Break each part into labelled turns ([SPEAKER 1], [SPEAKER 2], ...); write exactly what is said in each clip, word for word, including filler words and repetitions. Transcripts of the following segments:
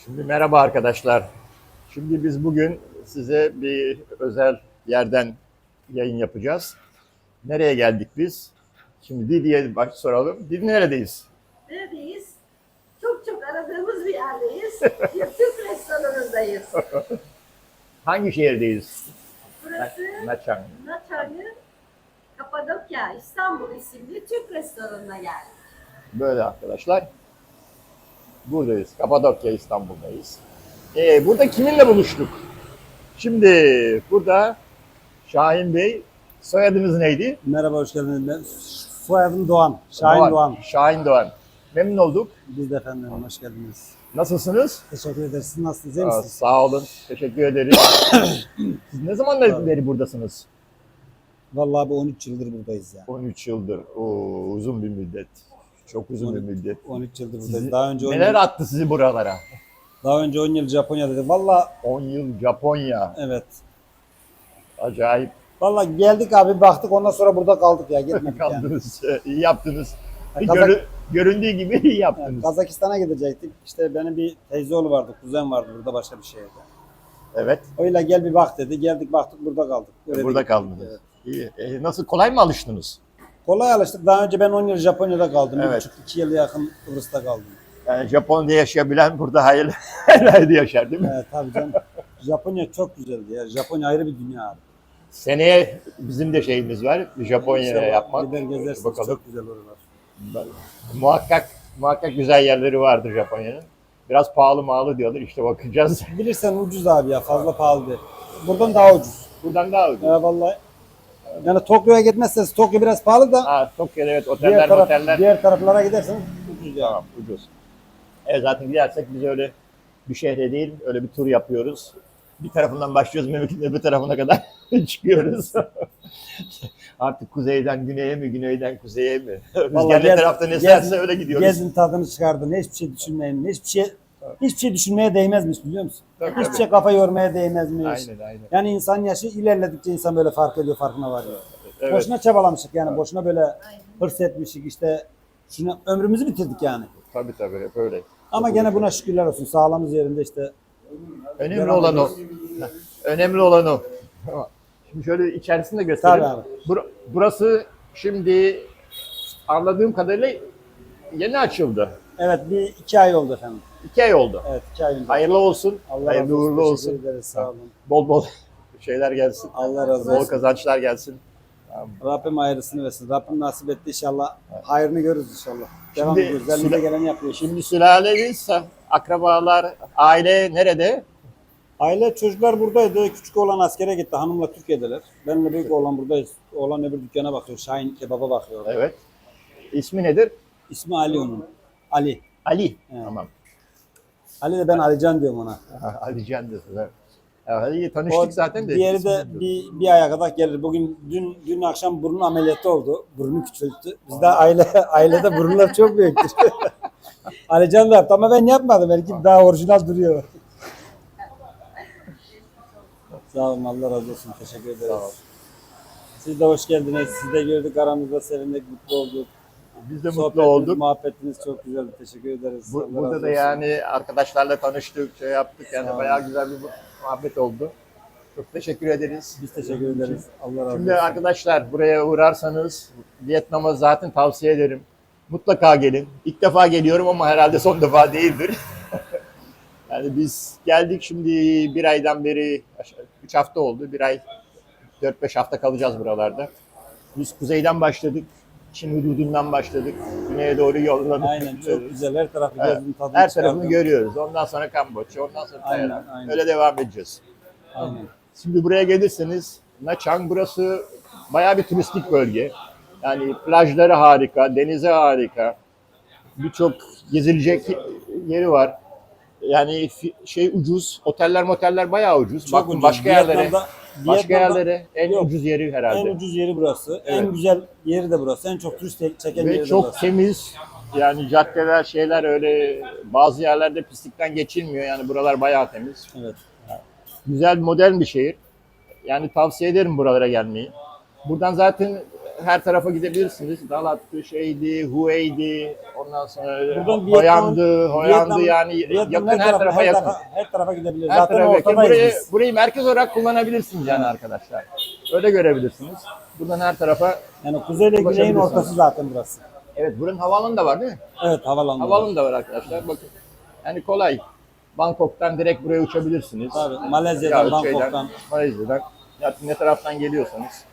[SPEAKER 1] Şimdi merhaba arkadaşlar. Şimdi biz bugün size bir özel yerden yayın yapacağız. Nereye geldik biz? Şimdi Didi'ye baş soralım. Didi neredeyiz?
[SPEAKER 2] Neredeyiz? Çok çok aradığımız bir yerdeyiz. Bir Türk restoranındayız.
[SPEAKER 1] Hangi şehirdeyiz?
[SPEAKER 2] Burası
[SPEAKER 1] Naçan.
[SPEAKER 2] Naçarlı Kapadokya İstanbul isimli Türk restoranına geldik.
[SPEAKER 1] Böyle arkadaşlar. Buradayız. Kapadokya İstanbul'dayız. Ee, burada kiminle buluştuk? Şimdi burada Şahin Bey, soyadınız neydi?
[SPEAKER 3] Merhaba, hoş geldiniz. Ben soyadım Doğan, Şahin Doğan.
[SPEAKER 1] Şahin Doğan. Memnun olduk.
[SPEAKER 3] Biz de efendim, hoş geldiniz.
[SPEAKER 1] Nasılsınız?
[SPEAKER 3] Teşekkür ederiz. Siz nasılsınız, iyi
[SPEAKER 1] Aa,
[SPEAKER 3] misiniz?
[SPEAKER 1] sağ olun. Teşekkür ederim. Siz ne zamandan beri buradasınız?
[SPEAKER 3] Vallahi bu on üç yıldır buradayız ya.
[SPEAKER 1] on üç yıldır. Oo, uzun bir müddet. Çok uzun bir müddet.
[SPEAKER 3] on üç yıldır buradayız.
[SPEAKER 1] Sizi-
[SPEAKER 3] Daha önce on
[SPEAKER 1] neler
[SPEAKER 3] yıl,
[SPEAKER 1] attı sizi buralara?
[SPEAKER 3] daha önce on yıl Japonya'daydık. Vallahi
[SPEAKER 1] on yıl Japonya.
[SPEAKER 3] evet.
[SPEAKER 1] Acayip
[SPEAKER 3] Vallahi geldik abi, baktık, ondan sonra burada kaldık ya, gitmedik yani.
[SPEAKER 1] kaldınız. İyi yaptınız.
[SPEAKER 3] Ya, Kazak-
[SPEAKER 1] Görü- göründüğü gibi iyi
[SPEAKER 3] Yani
[SPEAKER 1] yaptınız.
[SPEAKER 3] Kazakistan'a gidecektik. İşte benim bir teyzeoğlu vardı, kuzen vardı burada başka bir şehirde.
[SPEAKER 1] Evet.
[SPEAKER 3] Öyle gel bir bak dedi. Geldik, baktık, burada kaldık. Öyle
[SPEAKER 1] Burada
[SPEAKER 3] de gittik.
[SPEAKER 1] kaldınız.
[SPEAKER 3] Evet.
[SPEAKER 1] İyi. E, nasıl, kolay mı alıştınız?
[SPEAKER 3] Kolay alıştık. Daha önce ben on yıl Japonya'da kaldım. Bir
[SPEAKER 1] Evet.
[SPEAKER 3] buçuk iki yılı yakın Kıbrıs'ta kaldım.
[SPEAKER 1] Yani Japonya'da yaşayabilen burada hayırlı herhalde yaşar değil mi?
[SPEAKER 3] Evet tabii canım. Japonya çok güzeldi ya. Japonya ayrı bir dünya abi.
[SPEAKER 1] Seneye bizim de şeyimiz var. Japonya'ya
[SPEAKER 3] İnşallah
[SPEAKER 1] yapmak.
[SPEAKER 3] Gider gezersiniz.
[SPEAKER 1] Bakalım.
[SPEAKER 3] Çok güzel oralar.
[SPEAKER 1] Muhakkak muhakkak güzel yerleri vardır Japonya'nın. Biraz pahalı mağlı diyorlar. İşte bakacağız.
[SPEAKER 3] Bilirsen ucuz abi ya. Fazla pahalı değil. Buradan daha ucuz.
[SPEAKER 1] Buradan daha ucuz.
[SPEAKER 3] Ya vallahi. Yani Tokyo'ya gitmezseniz Tokyo biraz pahalı da
[SPEAKER 1] Ha, Tokyo'da evet
[SPEAKER 3] diğer,
[SPEAKER 1] oteller
[SPEAKER 3] taraf,
[SPEAKER 1] oteller.
[SPEAKER 3] diğer taraflara giderseniz ucuz ya.
[SPEAKER 1] Tamam ucuz. Evet zaten gidersek biz öyle bir şehre değil öyle bir tur yapıyoruz. Bir tarafından başlıyoruz memleketin öbür tarafına kadar çıkıyoruz. Artık kuzeyden güneye mi, güneyden kuzeye mi? Rüzgar ne
[SPEAKER 3] gez-
[SPEAKER 1] tarafta ne
[SPEAKER 3] gez-
[SPEAKER 1] eserse öyle gidiyoruz.
[SPEAKER 3] Gezin tadını çıkardın. Hiçbir şey düşünmeyin. Hiçbir şey hiçbir şey düşünmeye değmezmiş, biliyor musun?
[SPEAKER 1] Tabii,
[SPEAKER 3] Hiçbir
[SPEAKER 1] tabii.
[SPEAKER 3] şey kafa yormaya değmezmiş.
[SPEAKER 1] Aynen aynen.
[SPEAKER 3] Yani insan yaşı ilerledikçe insan böyle fark ediyor, farkına varıyor.
[SPEAKER 1] Evet.
[SPEAKER 3] Boşuna çabalamışık yani, boşuna böyle hırs etmişik işte. Şunu ömrümüzü bitirdik yani.
[SPEAKER 1] Tabii tabii hep öyle.
[SPEAKER 3] Ama gene buna şükürler olsun. Sağlığımız yerinde işte.
[SPEAKER 1] Önemli
[SPEAKER 3] Devam
[SPEAKER 1] olan o.
[SPEAKER 3] ediyoruz.
[SPEAKER 1] Önemli olan o. Şimdi şöyle içerisini de göstereyim.
[SPEAKER 3] Tabii abi.
[SPEAKER 1] Bur- Burası şimdi anladığım kadarıyla yeni açıldı.
[SPEAKER 3] Evet, bir iki ay oldu efendim.
[SPEAKER 1] İki ay oldu.
[SPEAKER 3] Evet, iki ay önce.
[SPEAKER 1] Hayırlı olsun.
[SPEAKER 3] Allah
[SPEAKER 1] hayırlı
[SPEAKER 3] razı olsun.
[SPEAKER 1] uğurlu olsun.
[SPEAKER 3] Teşekkür ederiz, sağ olun.
[SPEAKER 1] Bol bol şeyler gelsin.
[SPEAKER 3] Allah razı
[SPEAKER 1] Bol
[SPEAKER 3] olsun.
[SPEAKER 1] kazançlar gelsin.
[SPEAKER 3] Rabbim hayırlısını versin. Rabbim nasip etti inşallah. Hayrını görürüz inşallah. Devam
[SPEAKER 1] Şimdi
[SPEAKER 3] ediyoruz. Elimize
[SPEAKER 1] süre-
[SPEAKER 3] geleni yapıyoruz.
[SPEAKER 1] Şimdi sülaleniz, akrabalar, aile nerede?
[SPEAKER 3] Aile çocuklar buradaydı. Küçük oğlan askere gitti. Hanımla Türkiye'deler. Benle büyük oğlan buradayız. Oğlan öbür dükkana bakıyor. Şahin kebaba bakıyor.
[SPEAKER 1] Evet. İsmi nedir?
[SPEAKER 3] İsmi Ali onun. Ali.
[SPEAKER 1] Ali.
[SPEAKER 3] Evet.
[SPEAKER 1] Tamam.
[SPEAKER 3] Ali de ben Alican diyorum ona.
[SPEAKER 1] Ha, Ali Can diyorsun. Evet. Ya, Ali tanıştık
[SPEAKER 3] O
[SPEAKER 1] zaten de.
[SPEAKER 3] diğeri
[SPEAKER 1] ismini
[SPEAKER 3] de
[SPEAKER 1] bilmiyorum.
[SPEAKER 3] bir, bir aya kadar gelir. Bugün dün dün akşam burun ameliyatı oldu. Burnu küçülttü. Bizde aile ailede burunlar çok büyüktür. Alican da yaptı ama ben yapmadım. Belki daha orijinal duruyor. Sağ olun, Allah razı olsun. Teşekkür ederiz.
[SPEAKER 1] Sağ ol.
[SPEAKER 3] Siz de hoş geldiniz. Siz de gördük, aramızda sevindik, mutlu olduk.
[SPEAKER 1] Biz de mutlu
[SPEAKER 3] Sohbetiniz,
[SPEAKER 1] olduk.
[SPEAKER 3] muhabbetiniz çok güzeldi. Teşekkür ederiz.
[SPEAKER 1] Bu,
[SPEAKER 3] Allah razı
[SPEAKER 1] burada da
[SPEAKER 3] olsun.
[SPEAKER 1] yani arkadaşlarla tanıştık, şey yaptık. Yani
[SPEAKER 3] Sağ olun.
[SPEAKER 1] bayağı güzel bir muhabbet oldu. Çok teşekkür ederiz.
[SPEAKER 3] Biz teşekkür ederiz. Allah razı
[SPEAKER 1] Şimdi
[SPEAKER 3] olsun.
[SPEAKER 1] arkadaşlar buraya uğrarsanız Vietnam'a zaten tavsiye ederim. Mutlaka gelin. İlk defa geliyorum ama herhalde son defa değildir. Yani biz geldik şimdi bir aydan beri, üç hafta oldu. Bir ay, dört beş hafta kalacağız buralarda. Biz kuzeyden başladık. Çin hududundan başladık. Güneye doğru yolladık.
[SPEAKER 3] Aynen, çok güzel. Her tarafı
[SPEAKER 1] Evet.
[SPEAKER 3] gezdim, tadını
[SPEAKER 1] Her tarafını
[SPEAKER 3] çıkardım.
[SPEAKER 1] görüyoruz. Ondan sonra Kamboçya, ondan sonra
[SPEAKER 3] Aynen,
[SPEAKER 1] Tayland.
[SPEAKER 3] aynen.
[SPEAKER 1] Öyle devam edeceğiz.
[SPEAKER 3] Aynen.
[SPEAKER 1] Şimdi buraya gelirseniz Nha Trang burası bayağı bir turistik bölge. Yani plajları harika, denizi harika. Birçok gezilecek yeri var. Yani fi- şey ucuz, oteller moteller bayağı ucuz.
[SPEAKER 3] Çok
[SPEAKER 1] Bakın
[SPEAKER 3] ucuz.
[SPEAKER 1] başka yerlere,
[SPEAKER 3] Vietnam'da-
[SPEAKER 1] başka
[SPEAKER 3] Vietnam'da
[SPEAKER 1] yerlere en
[SPEAKER 3] yok.
[SPEAKER 1] ucuz yeri herhalde.
[SPEAKER 3] En ucuz yeri burası.
[SPEAKER 1] Evet.
[SPEAKER 3] En güzel yeri de burası. En çok turist çeken
[SPEAKER 1] Ve
[SPEAKER 3] yeri de
[SPEAKER 1] çok
[SPEAKER 3] burası.
[SPEAKER 1] temiz. Yani caddeler, şeyler öyle bazı yerlerde pislikten geçilmiyor. Yani buralar bayağı temiz.
[SPEAKER 3] Evet.
[SPEAKER 1] Güzel, modern bir şehir. Yani tavsiye ederim buralara gelmeyi. Buradan zaten her tarafa gidebilirsiniz. Dalat'tı, şeydi, Huey'di, ondan sonra
[SPEAKER 3] Buradan Vietnam-
[SPEAKER 1] Hoyandı, Hoyandı
[SPEAKER 3] Vietnam-
[SPEAKER 1] yani
[SPEAKER 3] Vietnam
[SPEAKER 1] yakın her tarafa
[SPEAKER 3] her
[SPEAKER 1] yakın.
[SPEAKER 3] tarafa, her tarafa gidebilir.
[SPEAKER 1] Her
[SPEAKER 3] Zaten
[SPEAKER 1] tarafa yakın.
[SPEAKER 3] ortadayız
[SPEAKER 1] Burayı,
[SPEAKER 3] biz.
[SPEAKER 1] burayı merkez olarak kullanabilirsiniz yani arkadaşlar. Öyle görebilirsiniz. Buradan her tarafa,
[SPEAKER 3] Yani kuzeyle güneyin
[SPEAKER 1] Ulaşabilirsiniz.
[SPEAKER 3] ortası zaten burası.
[SPEAKER 1] evet buranın havaalanı da var değil mi?
[SPEAKER 3] Evet, havalandı.
[SPEAKER 1] Havaalanı da var arkadaşlar. Bakın. Yani kolay. Bangkok'tan direkt buraya uçabilirsiniz.
[SPEAKER 3] Tabii, Malezya'dan,
[SPEAKER 1] Yahut şeyden,
[SPEAKER 3] Bangkok'tan.
[SPEAKER 1] Malezya'dan. Ya ne taraftan geliyorsanız.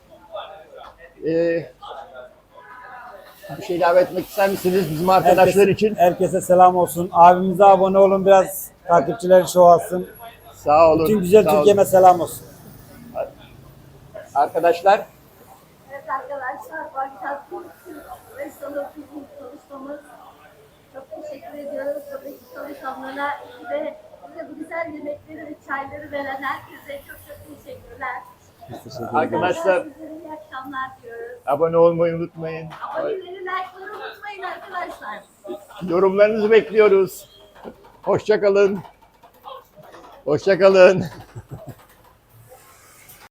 [SPEAKER 1] Ee, bir şey ilave etmek ister misiniz bizim arkadaşlar
[SPEAKER 3] Herkese-
[SPEAKER 1] için?
[SPEAKER 3] Herkese selam olsun. Abimize abone olun, biraz takipçileri çoğalsın.
[SPEAKER 1] Sağ olun.
[SPEAKER 3] Bütün güzel
[SPEAKER 1] sağ olun.
[SPEAKER 3] Türkiye'me selam olsun.
[SPEAKER 1] Arkadaşlar
[SPEAKER 2] Evet arkadaşlar, Bagdat restoranı bizim çalışmamız. Çok teşekkür ediyoruz. Tabii ki çalışanlara ve bize bu güzel yemekleri ve çayları veren herkese çok çok teşekkürler.
[SPEAKER 3] Biz teşekkür ederiz.
[SPEAKER 1] Arkadaşlar
[SPEAKER 2] Sizlere iyi akşamlar diyoruz.
[SPEAKER 1] abone olmayı unutmayın.
[SPEAKER 2] Aboneleri, like'ları unutmayın arkadaşlar.
[SPEAKER 1] Yorumlarınızı bekliyoruz. Hoşça kalın. Hoşça kalın.